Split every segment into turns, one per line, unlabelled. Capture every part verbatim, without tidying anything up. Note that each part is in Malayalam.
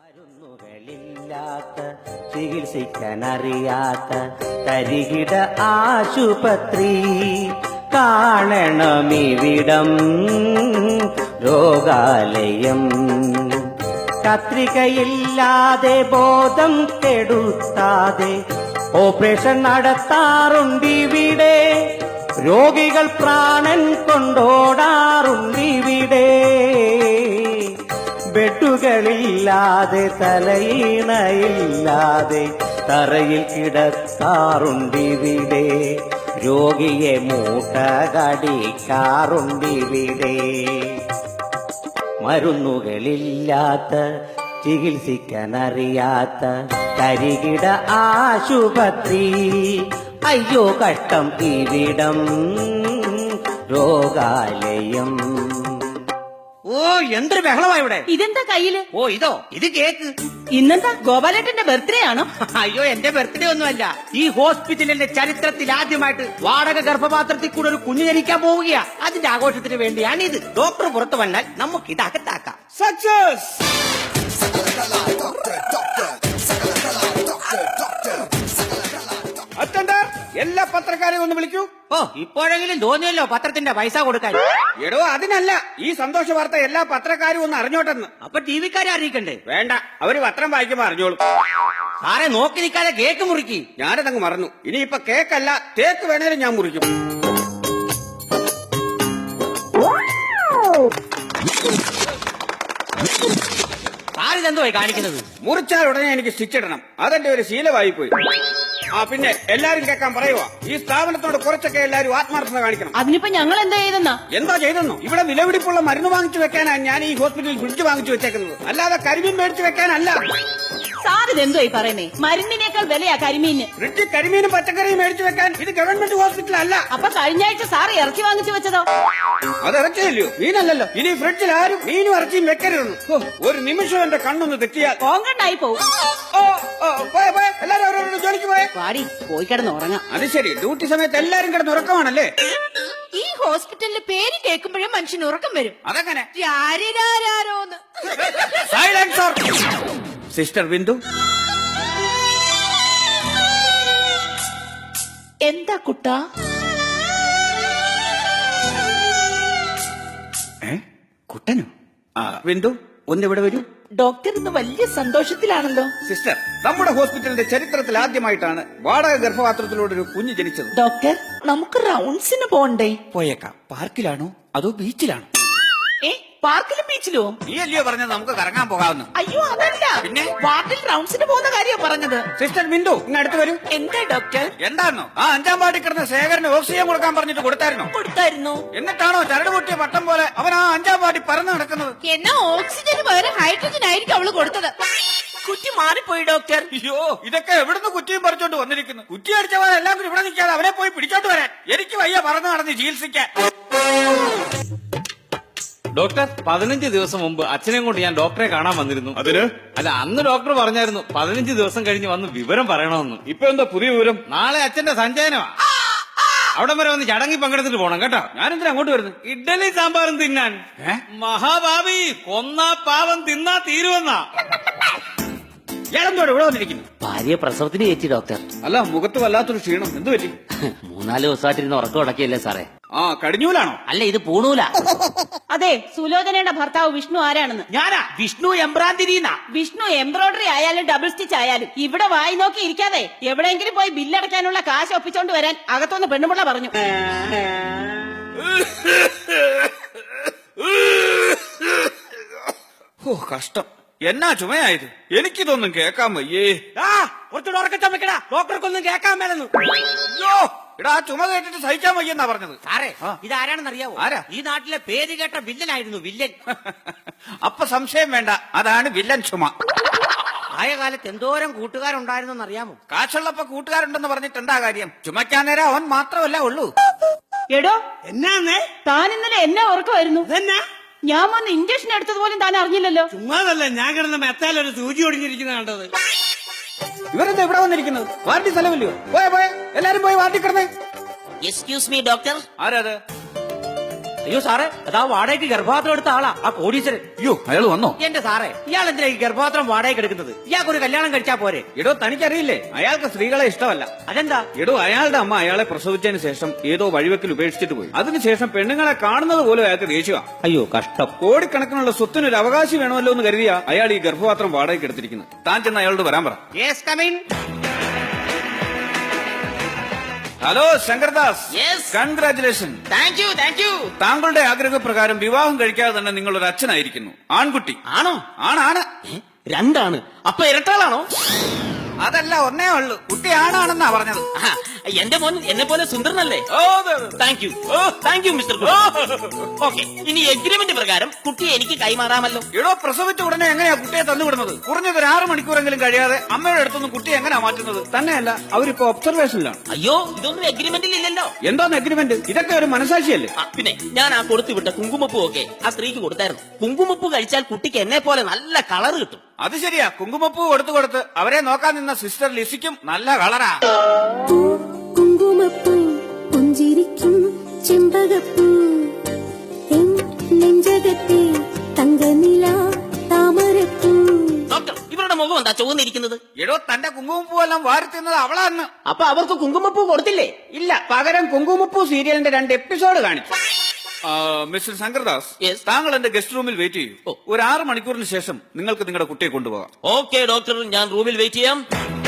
മരുന്നുകളില്ലാത്ത ചികിത്സിക്കാനറിയാത്ത തരികിട ആശുപത്രി കാണണമിവിടം രോഗാലയം. കത്രികയില്ലാതെ ബോധം കെടുത്താതെ ഓപ്പറേഷൻ നടത്താറുണ്ടിവിടെ. രോഗികൾ പ്രാണൻ കൊണ്ടോടാറുണ്ടിവിടെ. ബെഡുകളില്ലാതെ തലയിണയില്ലാതെ തറയിൽ കിടത്താറുണ്ടിവിടെ. രോഗിയെ മൂട്ട കടിക്കാറുണ്ടിവിടെ. മരുന്നുകളില്ലാത്ത ചികിത്സിക്കാനറിയാത്ത തരികിട ആശുപത്രി. അയ്യോ കഷ്ടം ഇവിടം രോഗാലയം.
ഓ എന്തൊരു ബഹളമാ ഇവിടെ.
ഇതെന്താ കയ്യില്?
ഓ ഇതോ ഇത് കേക്ക്.
ഇന്നെന്താ ഗോപാലേട്ടന്റെ ബർത്ത്ഡേ ആണോ?
അയ്യോ എന്റെ ബർത്ത്ഡേ ഒന്നുമല്ല. ഈ ഹോസ്പിറ്റലിന്റെ ചരിത്രത്തിൽ ആദ്യമായിട്ട് വാടക ഗർഭപാത്രത്തിൽ കൂടെ ഒരു കുഞ്ഞു ജനിക്കാൻ പോവുകയാ. അതിന്റെ ആഘോഷത്തിന് വേണ്ടിയാണ് ഇത്. ഡോക്ടർ പുറത്തു വന്നാൽ നമുക്ക് ഇത് അകത്താക്കാം. സക്സസ്. അറ്റൻഡർ എല്ലാ പത്രക്കാരെയും ഒന്ന് വിളിക്കൂ. ഓ ഇപ്പോഴെങ്കിലും തോന്നിയല്ലോ പത്രത്തിന്റെ പൈസ കൊടുക്കാൻ. എടോ അതിനല്ല, ഈ സന്തോഷ വാർത്ത എല്ലാ പത്രക്കാരും ഒന്ന് അറിഞ്ഞോട്ടെന്ന്. അപ്പൊ ടി വിക്കാരെ അറിയിക്കണ്ടേ? വേണ്ട, അവര് പത്രം വായിക്കുമ്പോ അറിഞ്ഞോളൂ. സാറെ നോക്കി നിൽക്കാതെ കേക്ക് മുറിക്കി. ഞാനതങ്ങ് മറന്നു. ഇനിയിപ്പൊ കേക്കല്ല തേക്ക് വേണേലും ഞാൻ മുറിക്കും. സാറിതെന്തോ കാണിക്കുന്നത്? മുറിച്ചാൽ ഉടനെ എനിക്ക് സ്റ്റിച്ച് ഇടണം. അതെന്റെ ഒരു ശീലമായി പോയി. ആ പിന്നെ എല്ലാരും കേൾക്കാൻ പറയുക, ഈ സ്ഥാപനത്തോട് കുറച്ചൊക്കെ എല്ലാരും ആത്മാർത്ഥത കാണിക്കണം.
അതിനിപ്പോ ഞങ്ങൾ എന്താ ചെയ്തെന്നാ?
എന്താ ചെയ്തെന്നോ? ഇവിടെ വിലപിടിപ്പുള്ള മരുന്ന് വാങ്ങിച്ചു വെക്കാനാണ് ഞാൻ ഈ ഹോസ്പിറ്റലിൽ ഫ്രിഡ്ജ് വാങ്ങിച്ചു വെച്ചേക്കുന്നത്, അല്ലാതെ കരിമീൻ മേടിച്ചു വെക്കാനല്ല.
സാർ ഇതെന്തോ ഈ പറയുന്നേ? മരുന്നിനേക്കാൾ വിലയാ കരിമീന്.
ഫ്രിഡ്ജ് കരിമീനും പച്ചക്കറിയും മേടിച്ചു വെക്കാൻ ഇത് ഗവൺമെന്റ് ഹോസ്പിറ്റൽ അല്ല.
അപ്പൊ കഴിഞ്ഞ ആഴ്ച സാർ ഇറച്ചി വാങ്ങിച്ചു വെച്ചതോ?
അത് ഇറച്ചിയല്ലോ, മീനല്ലല്ലോ. ഇനി ഫ്രിഡ്ജിൽ ആരും മീനും ഇറച്ചിയും വെക്കരുതെന്ന്. ഒരു നിമിഷം എന്റെ കണ്ണൊന്ന് തെറ്റിയാൽ
കോങ്കണ്ടായി പോവും.
ഓ ഓ പോയ പോയ എല്ലാരും അവരോട് ജോലിക്ക് പോയെ.
പാടി പോയി കിടന്ന് ഉറങ്ങാം.
അത് ശരി, ഡ്യൂട്ടി സമയത്ത് എല്ലാരും കിടന്ന് ഉറക്കമാണല്ലേ?
ഈ ഹോസ്പിറ്റലിന്റെ പേര് കേൾക്കുമ്പോഴേ മനുഷ്യന് ഉറക്കം വരും.
അതെങ്ങനെ?
രാരിരാരോന്ന്.
സൈലൻസർ. സിസ്റ്റർ ബിന്ദു,
എന്താ കുട്ടാ?
ഏ കുട്ടനോ? ആ ബിന്ദു ഒന്നിവിടെ വരൂ.
ഡോക്ടർ ഇന്ന് വലിയ സന്തോഷത്തിലാണല്ലോ.
സിസ്റ്റർ, നമ്മുടെ ഹോസ്പിറ്റലിന്റെ ചരിത്രത്തിൽ ആദ്യമായിട്ടാണ് വാടക ഗർഭപാത്രത്തിലൂടെ ഒരു കുഞ്ഞ് ജനിച്ചത്.
ഡോക്ടർ നമുക്ക് റൗണ്ട്സിന് പോണ്ടേ?
പോയേക്കാം. പാർക്കിലാണോ അതോ ബീച്ചിലാണോ?
ഏ പാർക്കിലും ബീച്ചിലോ?
നീ അല്ലയോ പറഞ്ഞത് നമുക്ക് കറങ്ങാൻ പോകാമെന്ന്?
അയ്യോ അതല്ല,
പിന്നെ
വാർഡിൽ റൗണ്ട്സിന് പോകുന്ന കാര്യം പറഞ്ഞത്.
സിസ്റ്റർ ബിന്ദു ഇങ്ങ് അടുത്ത് വരൂ.
എന്താ ഡോക്ടർ?
എന്താണോ ആ അഞ്ചാം പാടി കിടന്ന ശേഖരന് ഓക്സിജൻ കൊടുക്കാൻ പറഞ്ഞിട്ട് കൊടുത്തായിരുന്നോ?
കൊടുത്തായിരുന്നു.
എന്നിട്ടാണോ ചരട് പൊട്ടിയ പട്ടം പോലെ അവൻ ആ അഞ്ചാം പാടി പറന്ന് നടക്കുന്നത്?
എന്നാ ഓക്സിജന് പകരം ഹൈഡ്രജൻ ആയിരിക്കും അവള് കൊടുത്തത്. കുറ്റി മാറിപ്പോയി ഡോക്ടർ.
അയ്യോ ഇതൊക്കെ എവിടുന്ന് കുറ്റിയും പറിച്ചോണ്ട് വന്നിരിക്കുന്നു? കുറ്റി അടിച്ചവൻ എല്ലാം കൂടി ഇവിടെ നിൽക്കാതെ അവനെ പോയി പിടിച്ചോണ്ട് വരാൻ. എനിക്ക് വയ്യ പറന്ന് നടന്ന് ചികിത്സിക്കാൻ.
ഡോക്ടർ, പതിനഞ്ച് ദിവസം മുമ്പ് അച്ഛനെയും കൊണ്ട് ഞാൻ ഡോക്ടറെ കാണാൻ വന്നിരുന്നു.
അതിന്?
അല്ല, അന്ന് ഡോക്ടർ പറഞ്ഞായിരുന്നു പതിനഞ്ച് ദിവസം കഴിഞ്ഞ് വന്ന് വിവരം പറയണമെന്ന്.
ഇപ്പൊ എന്താ പുതിയ വിവരം?
നാളെ അച്ഛന്റെ സഞ്ചയനമാ. അവിടെ വരെ വന്ന് ചടങ്ങി പങ്കെടുത്തിട്ട് പോണം കേട്ടോ.
ഞാനെന്തിനാ അങ്ങോട്ട് വരുന്നു?
ഇഡ്ഡലി സാമ്പാറും തിന്നാൻ. മഹാഭാവി കൊന്നാ പാവം തിന്നാ തീരുവെന്നാ.
ഇയാളെന്തോടെ ഇവിടെ വന്നിരിക്കുന്നു?
ഭാര്യ പ്രസവത്തിന് കയറ്റി ഡോക്ടർ.
അല്ല, മുഖത്ത് വല്ലാത്തൊരു ക്ഷീണം. എന്ത് പറ്റി?
മൂന്നാല് ദിവസമായിട്ടിരുന്ന് ഉറക്കം ഉടക്കിയല്ലേ സാറേ?
ആ കടിഞ്ഞൂലാണോ?
അല്ല, ഇത് പൂണൂല.
അതെ, സുലോചനയുടെ ഭർത്താവ് വിഷ്ണു ആരാണെന്ന്?
ഞാനാ വിഷ്ണു എംബ്രാന്തിരിന്നാ.
വിഷ്ണു എംബ്രോയിഡറി ആയാലും ഡബിൾ സ്റ്റിച്ച് ആയാലും ഇവിടെ വായി നോക്കി ഇരിക്കാതെ എവിടെയെങ്കിലും പോയി ബില്ലടയ്ക്കാനുള്ള കാശ് ഒപ്പിച്ചോണ്ട് വരാൻ അകത്തുനിന്ന് പെണ്ണുപിള്ള പറഞ്ഞു.
ഓ കഷ്ടം, എന്നാ ചുമയായത്? എനിക്കിതൊന്നും കേക്കാൻ വയ്യേ. കുറച്ചുകൂടെ ഉറക്കം ചുമക്കടാ, ഡോക്ടർക്കൊന്നും കേക്കാൻ മേലെന്ന്. അയ്യോ ഇടാ, ചുമ കേട്ടിട്ട് സഹിക്കാൻ വയ്യെന്നാ പറഞ്ഞത്.
സാറേ ഇതാരാണെന്ന് അറിയാവോ?
ആരാ?
ഈ നാട്ടിലെ പേര് കേട്ട വില്ലനായിരുന്നു, വില്ലൻ.
അപ്പൊ സംശയം വേണ്ട, അതാണ് വില്ലൻ ചുമ.
ആയ കാലത്ത് എന്തോരം കൂട്ടുകാരുണ്ടായിരുന്നെന്ന് അറിയാമോ?
കാശുള്ളപ്പോ കൂട്ടുകാരുണ്ടെന്ന് പറഞ്ഞിട്ട് എന്താ കാര്യം? ചുമക്കാൻ നേരം അവൻ മാത്രമല്ല ഉള്ളൂ.
എടോ
എന്നാന്നേ?
താൻ ഇന്നലെ എന്നെ ഓർക്കുമായിരുന്നു.
അതെന്നാ?
ഞാൻ വന്ന് ഇഞ്ചക്ഷൻ എടുത്തത് പോലും താൻ അറിഞ്ഞില്ലല്ലോ.
ചുമ്മാതല്ല, ഞാൻ കിടന്ന മെത്താലൊരു സൂചി ഒടിഞ്ഞിരിക്കുന്ന കണ്ടത്. ഇവരെന്താ ഇവിടെ വന്നിരിക്കുന്നത്? വാർഡി സ്ഥലമില്ലയോ? പോയ പോയ എല്ലാരും പോയി വാർഡി കിടന്നേ.
Excuse me doctor.
ആരാത്?
അയ്യോ സാറേ അതാ വാടകയ്ക്ക് ഗർഭപാത്രം എടുത്ത ആളാ ആ കോടീശ്വരൻ.
അയ്യോ അയാൾ വന്നോ?
എന്റെ സാറേ ഇയാൾ എന്തിനാ ഈ ഗർഭപാത്രം വാടകയ്ക്ക് എടുക്കുന്നത്? ഇയാൾക്ക് ഒരു കല്യാണം കഴിച്ചാ പോരെ?
എടോ തനിക്കറിയില്ലേ അയാൾക്ക് സ്ത്രീകളെ ഇഷ്ടമല്ല.
അതെന്താ?
എടോ അയാളുടെ അമ്മ അയാളെ പ്രസവിച്ചതിന് ശേഷം ഏതോ വഴിവെക്കിൽ ഉപേക്ഷിച്ചിട്ട് പോയി. അതിനുശേഷം പെണ്ണുങ്ങളെ കാണുന്നത് പോലും അയാൾക്ക് ദേഷ്യമാ.
അയ്യോ കഷ്ടം.
കോടിക്കണക്കിനുള്ള സ്വത്തിന് ഒരു അവകാശി വേണമല്ലോ എന്ന് കരുതിയാ അയാൾ ഈ ഗർഭപാത്രം വാടകയ്ക്ക് എടുത്തിരിക്കുന്നത്. താൻ ചെന്ന് അയാളോട് വരാൻ പറ.
Yes come in.
Hello Shankardas.
Yes.
Congratulation.
Thank you thank you.
താങ്കളുടെ ആഗ്രഹപ്രകാരം വിവാഹം കഴിക്കാതെ തന്നെ നിങ്ങൾ ഒരു അച്ഛനായിരിക്കുന്നു. ആൺകുട്ടി.
ആണോ?
ആണാണ്.
രണ്ടാണ്. അപ്പൊ ഇരട്ടാളാണോ?
അതല്ല, ഒന്നേ ഉള്ളൂ. കുട്ടി ആണാണെന്നാ പറഞ്ഞത്.
ആഹാ, എന്റെ മോൻ എന്നെ പോലെ സുന്ദരനല്ലേ?
ഓ, അതെ, അതെ.
Thank you thank you mister okay. ഇനി എഗ്രിമെന്റ് പ്രകാരം കുട്ടിയെ എനിക്ക് കൈമാറാമല്ലോ.
എടോ പ്രസവിച്ച ഉടനെ എങ്ങനെയാ കുട്ടിയെ തന്നുവിടുന്നത്? കുറഞ്ഞത് ഒരു ആറ് മണിക്കൂറെങ്കിലും കഴിയാതെ അമ്മയുടെ അടുത്തൊന്നും കുട്ടിയെ എങ്ങനെയാ മാറ്റുന്നത്? തന്നെയല്ല, അവരിപ്പോ ഒബ്സർവേഷനിലാണ്.
അയ്യോ ഇതൊന്നും എഗ്രിമെന്റിൽ ഇല്ലല്ലോ.
എന്തോന്ന് എഗ്രിമെന്റ്? ഇതൊക്കെ ഒരു മനസാക്ഷിയല്ലേ?
ആ, പിന്നെ ഞാൻ ആ കൊടുത്തുവിട്ട കുങ്കുമപ്പൂ ഒക്കെ ആ സ്ത്രീക്ക് കൊടുത്തായിരുന്നു. കുങ്കുമപ്പൂ കഴിച്ചാൽ കുട്ടിക്ക് എന്നെ പോലെ നല്ല കളർ കിട്ടും.
അത് ശരിയാ. കുങ്കുമപ്പൂ കൊടുത്തു കൊടുത്ത് അവരെ നോക്കാൻ നിന്ന സിസ്റ്റർ ലിസിക്കും നല്ല കളറാ.
കുങ്കുമപ്പൂ പുഞ്ചിരിക്കും ചെമ്പകപ്പൂ എൻ നെഞ്ചകത്തെ തങ്കനില താമരപ്പൂ.
ഡോക്ടർ ഇവരുടെ മുഖം എന്താ ചുവന്നിരിക്കുന്നത്?
എടോ തന്റെ കുങ്കുമപ്പൂ എല്ലാം വാരി തിന്നത് അവളാന്ന്.
അപ്പൊ അവർക്ക് കുങ്കുമപ്പൂ കൊടുത്തില്ലേ?
ഇല്ല, പകരം കുങ്കുമപ്പൂ സീരിയലിന്റെ രണ്ട് എപ്പിസോഡ് കാണിച്ചു. Mister Shankardas,
Yes.
താങ്കൾ എന്റെ ഗസ്റ്റ് റൂമിൽ വെയിറ്റ് ചെയ്യൂ.
ഓ.
ഒരു ആറ് മണിക്കൂറിന് ശേഷം നിങ്ങൾക്ക് നിങ്ങളുടെ കുട്ടിയെ കൊണ്ടുപോകാം.
ഓക്കെ ഡോക്ടർ, ഞാൻ റൂമിൽ വെയിറ്റ് ചെയ്യാം.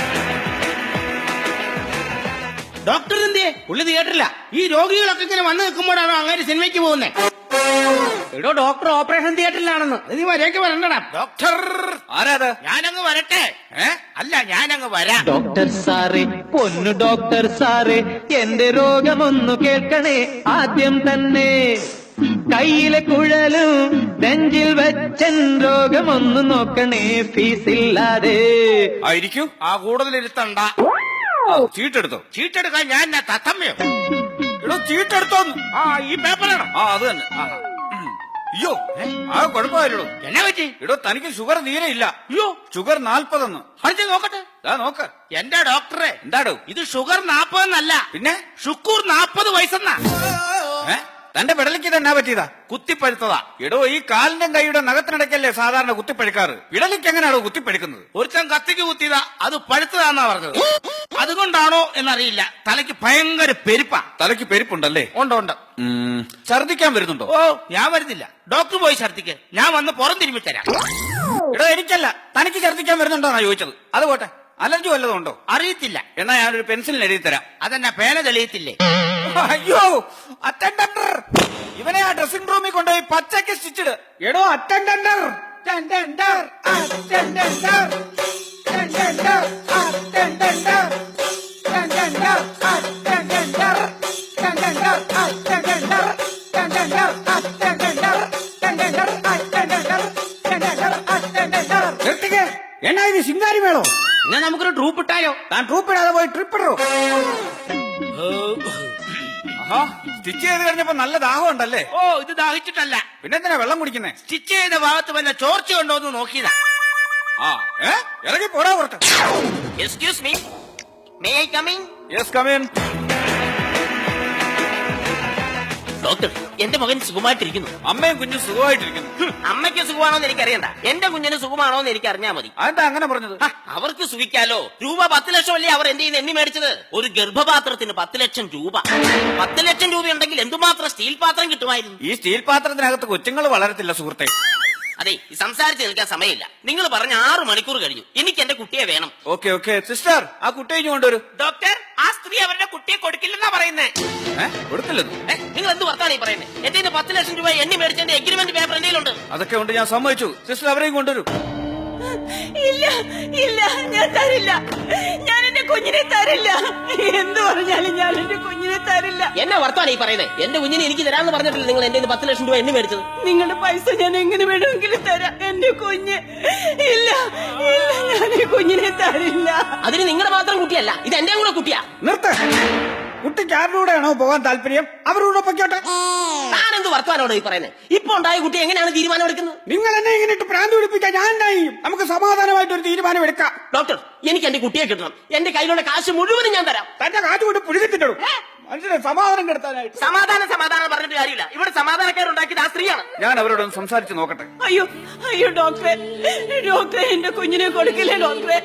ഡോക്ടർ എന്തേ? പുള്ളി തിയേറ്ററില്ല. ഈ രോഗികളൊക്കെ ഇങ്ങനെ വന്ന് നിൽക്കുമ്പോഴാണോ അങ്ങനെ സിനിമയ്ക്ക് പോകുന്നത്? എടോ ഡോക്ടർ ഓപ്പറേഷൻ തിയേറ്ററിലാണെന്ന്. നീ വരേക്ക് വരണ്ടടാ. ഡോക്ടർ
ആരാത്?
ഞാനങ്ങ് വരട്ടെ. ഏ അല്ല ഞാനങ്ങ് വരാം.
ഡോക്ടർ സാറേ, പൊന്നു ഡോക്ടർ സാറേ, എന്റെ രോഗമൊന്നു കേൾക്കണേ ആദ്യം തന്നെ. കയ്യിലെ കുഴലും നെഞ്ചിൽ വെച്ചൻ രോഗമൊന്നു നോക്കണേ ഫീസില്ലാതെ.
ആയിരിക്കൂ.
ആ കൂടുതലിരുത്തണ്ട.
ചീട്ടെടുത്തോ?
ചീട്ടെടുക്കാൻ ഞാൻ എന്നാ തത്തമ്മയോ?
എടോ ചീട്ടെടുത്തോന്ന്.
ആ ഈ പേപ്പറാണോ?
ആ അത് തന്നെ. ആഹാ. ഉം. അയ്യോ ആ കുഴപ്പമായില്ലോ.
എന്നാ പറ്റി?
എടോ തനിക്ക് ഷുഗർ തീരെ ഇല്ല.
അയ്യോ
ഷുഗർ നാൽപ്പതെന്ന്.
അടുത്ത് നോക്കട്ടെ.
ദാ നോക്ക്.
എന്റെ ഡോക്ടറെ,
എന്താടോ
ഇത് ഷുഗർ നാപ്പതെന്നല്ല,
പിന്നെ?
ഷുക്കൂർ നാപ്പത് വയസ്സെന്നാ.
ഏ? തന്റെ വിടലിക്ക് തന്നെ പറ്റിയതാ?
കുത്തിപ്പഴുത്തതാ.
എടോ ഈ കാലിന്റെ കൈയുടെ നഖത്തിനിടയ്ക്കല്ലേ സാധാരണ കുത്തിപ്പഴുക്കാറ്? വിടലിക്ക് എങ്ങനെയാണോ കുത്തിപ്പഴുക്കുന്നത്?
ഒരുത്തൻ കത്തിക്ക് കുത്തിയതാ, അത് പഴുത്തതാന്നാ പറഞ്ഞത്. അതുകൊണ്ടാണോ എന്നറിയില്ല, തലയ്ക്ക് ഭയങ്കര പെരുപ്പാ.
തലയ്ക്ക് പെരുപ്പുണ്ടല്ലേ?
ഉണ്ട് ഉണ്ട്.
ഉം. ഛർദിക്കാൻ വരുന്നുണ്ടോ?
ഓ ഞാൻ വരുന്നില്ല. ഡോക്ടർ പോയി ഛർദിക്ക്, ഞാൻ വന്ന് പുറം തിരുമ്പി തരാം.
എടോ എനിക്കല്ല, തനിക്ക് ഛർദിക്കാൻ വരുന്നുണ്ടോന്നാ ചോദിച്ചത്. അത് പോട്ടെ, അലർജി വല്ലതും ഉണ്ടോ?
അറിയത്തില്ല.
എന്നാ ഞാനൊരു പെൻസിലിന് എഴുതി തരാം.
അതെന്നാ പേന തെളിയത്തില്ലേ?
അയ്യോ അറ്റൻഡർ, ഇവനെ ആ ഡ്രസ്സിംഗ് റൂമിൽ കൊണ്ടുപോയി പച്ചക്ക് സ്റ്റിച്ചിട്. എടോ attender, attender, attender, attender, attender, attender, attender, attender, attender, attender, attender, attender, attender, attender. നിർത്തിക്കേ. എന്നാ ഇത് ശിങ്കാരി വേണോ?
എന്നാ നമുക്കൊരു ട്രൂപ്പ് ഇട്ടാലോ?
താൻ ട്രൂപ്പ് ഇടാതെ പോയി ട്രിപ്പ് ഇടോ. ആഹാ, സ്റ്റിച്ച് ചെയ്ത് കഴിഞ്ഞപ്പോ നല്ല ദാഹം ഉണ്ടല്ലേ?
ഓ ഇത് ദാഹിച്ചിട്ടല്ല,
പിന്നെന്തിനാ വെള്ളം കുടിക്കുന്നേ?
സ്റ്റിച്ച് ചെയ്ത ഭാഗത്ത് വല്ല ചോർച്ച ഉണ്ടോ എന്ന് നോക്കിയതാ.
ആ ഏ ഇറങ്ങി പോടാ പുറത്ത്.
Excuse me, may I come in?
Yes come in.
Doctor, എന്റെ മകൻ സുഖമായിട്ടിരിക്കുന്നു.
അമ്മയും കുഞ്ഞും സുഖമായിട്ടിരിക്കുന്നു.
ഹും, അമ്മയ്ക്ക് സുഖമാണോന്ന് എനിക്കറിയണ്ട, എന്റെ കുഞ്ഞിന് സുഖമാണോന്ന് എനിക്ക് അറിഞ്ഞാ മതി.
അതെന്താ അങ്ങനെ പറഞ്ഞത്?
ഹ, അവർക്ക് സുഖിക്കാലോ. രൂപ പത്ത് ലക്ഷം അല്ലേ അവർ എന്റെ എണ്ണി മേടിച്ചത്? ഒരു ഗർഭപാത്രത്തിന് പത്ത് ലക്ഷം രൂപ. പത്ത് ലക്ഷം രൂപ ഉണ്ടെങ്കിൽ എന്തുമാത്രം സ്റ്റീൽ പാത്രം കിട്ടുമായിരുന്നു.
ഈ സ്റ്റീൽ പാത്രത്തിനകത്ത് കൊച്ചുങ്ങൾ വളരത്തില്ല സുഹൃത്തെ.
അതെ, സംസാരിച്ച് നിൽക്കാൻ സമയമില്ല. നിങ്ങൾ പറഞ്ഞ ആറു മണിക്കൂർ കഴിഞ്ഞു. എനിക്ക് എന്റെ കുട്ടിയെ വേണം.
ഓക്കെ ഓക്കെ സിസ്റ്റർ, ആ കുട്ടിയെ ഇനി കൊണ്ടുവരൂ.
ഡോക്ടർ, ആ സ്ത്രീ അവരുടെ കുട്ടിയെ കൊടുക്കില്ലെന്നാ പറയുന്നേ.
ഏ കൊടുത്തില്ലെന്ന്?
നിങ്ങൾ എന്ത് വർത്താനം ഈ പറയുന്നത്? എന്റെ പത്ത് ലക്ഷം രൂപ എണ്ണി മേടിച്ചതിന്റെ എഗ്രിമെന്റ് പേപ്പർ എന്തെങ്കിലുണ്ട്?
അതൊക്കെ ഉണ്ട്, ഞാൻ സമ്മതിച്ചു. സിസ്റ്റർ അവരെയും കൊണ്ടുവരൂ.
ഇല്ല ഇല്ല, ഞാൻ തരില്ല. ഞാൻ എന്റെ കുഞ്ഞിനെ തരില്ല. എന്ത് പറഞ്ഞാലും ഞാൻ എന്റെ കുഞ്ഞിനെ തരില്ല.
എന്നെ വർത്താനം ഈ പറയുന്നത്? എന്റെ കുഞ്ഞിനെ എനിക്ക് തരാമെന്ന് പറഞ്ഞിട്ടില്ല നിങ്ങൾ എന്റെ പത്ത് ലക്ഷം രൂപ എണ്ണി മേടിച്ചത്?
നിങ്ങളുടെ പൈസ ഞാൻ എങ്ങനെ വേണമെങ്കിലും തരാം. എന്റെ കുഞ്ഞ് ഇല്ല ഇല്ല, ഞാൻ ഈ കുഞ്ഞിനെ തരില്ല.
അതിന് നിങ്ങളുടെ മാത്രം കുട്ടിയല്ല, ഇത് എന്റെ കൂടെ കുട്ടിയാ.
നിർത്ത്. കുട്ടിക്ക് ആരുടെയാണോ പോകാൻ താല്പര്യം അവരോട് പൊയ്ക്കോട്ടെ.
താനെന്ത് വർത്താനോട് ഈ പറയുന്നത്? ഇപ്പൊ ഉണ്ടായ കുട്ടി എങ്ങനെയാണ് തീരുമാനം എടുക്കുന്നത്?
നിങ്ങൾ എന്നെ ഇങ്ങനെ ഇട്ട് പ്രാന്ത് പിടിപ്പിക്കാൻ ഞാൻ ഉണ്ടായി. നമുക്ക് സമാധാനമായിട്ട് ഒരു തീരുമാനം എടുക്കാം.
ഡോക്ടർ, എനിക്ക് എന്റെ കുട്ടിയെ കിട്ടണം. എന്റെ കയ്യിലുള്ള കാശ് മുഴുവനും ഞാൻ തരാം.
തന്റെ കാറ്റ് കൊണ്ട് പുഴുകത്തിട്ടു. മനുഷ്യനെ സമാധാനം കെടുത്താനായിട്ട്.
സമാധാനം സമാധാനം പറഞ്ഞിട്ട് കാര്യമില്ല. ഇവിടെ സമാധാനക്കാരുണ്ടാക്കിയത് ആ സ്ത്രീയാണ്.
ഞാൻ അവരോടൊന്ന് സംസാരിച്ച് നോക്കട്ടെ.
അയ്യോ അയ്യോ ഡോക്ടറെ, ഡോക്ടറെ എന്റെ കുഞ്ഞിനെ കൊടുക്കില്ലേ ഡോക്ടറെ.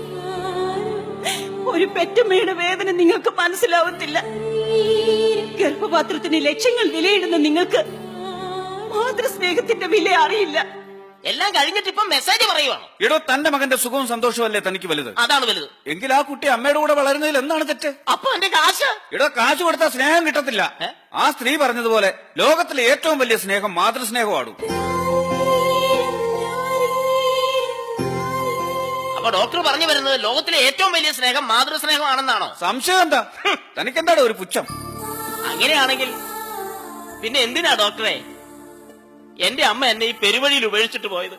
ഒരു പെറ്റമ്മയുടെ വേദന നിങ്ങൾക്ക് മനസ്സിലാവത്തില്ല. ഗർഭപാത്രത്തിന് ലക്ഷങ്ങൾ വിലയിടുന്ന നിങ്ങൾക്ക് മാതൃസ്നേഹത്തിന്റെ വില അറിയില്ല.
എല്ലാം കഴിഞ്ഞിട്ട് ഇപ്പം മെസ്സേജ് പറയുവാണ്.
എടോ, തന്റെ മകന്റെ സുഖവും സന്തോഷവും അല്ലേ തനിക്ക് വലുത്?
അതാണ് വലുത്.
എങ്കിൽ ആ കുട്ടി അമ്മയുടെ കൂടെ വളരുന്നതിൽ എന്താണ് തെറ്റ്?
അപ്പൊ എന്റെ കാശ്
എടോ, കാശ് കൊടുത്താൽ സ്നേഹം കിട്ടത്തില്ല. ആ സ്ത്രീ പറഞ്ഞതുപോലെ ലോകത്തിലെ ഏറ്റവും വലിയ സ്നേഹം മാതൃസ്നേഹമാണ്.
അപ്പൊ ഡോക്ടർ പറഞ്ഞു വരുന്നത് ലോകത്തിലെ ഏറ്റവും വലിയ സ്നേഹം മാതൃസ്നേഹമാണെന്നാണോ?
സംശയം എന്താ? തനിക്കെന്താടോ ഒരു പുച്ഛം?
അങ്ങനെയാണെങ്കിൽ പിന്നെ എന്തിനാ ഡോക്ടറെ എന്റെ അമ്മ എന്നെ ഈ പെരുവഴിയിൽ ഉപേക്ഷിച്ചിട്ട് പോയത്?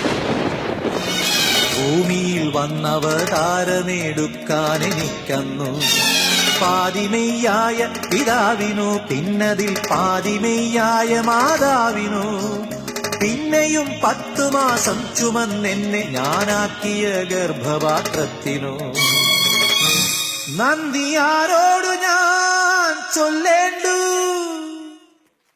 ഭൂമിയിൽ വന്നവതാരമെടുക്കാൻ എനിക്കന്നു പാതിമെയ്യായ പിതാവിനു, പിന്നതിൽ പാതിമെയ്യായ മാതാവിനു, പിന്നെയും പത്തു മാസം ചുമന്നെന്നെ ഞാനാക്കിയ ഗർഭപാത്രത്തിനു നന്ദി ആരോടു ഞാൻ ചൊല്ലേണ്ടു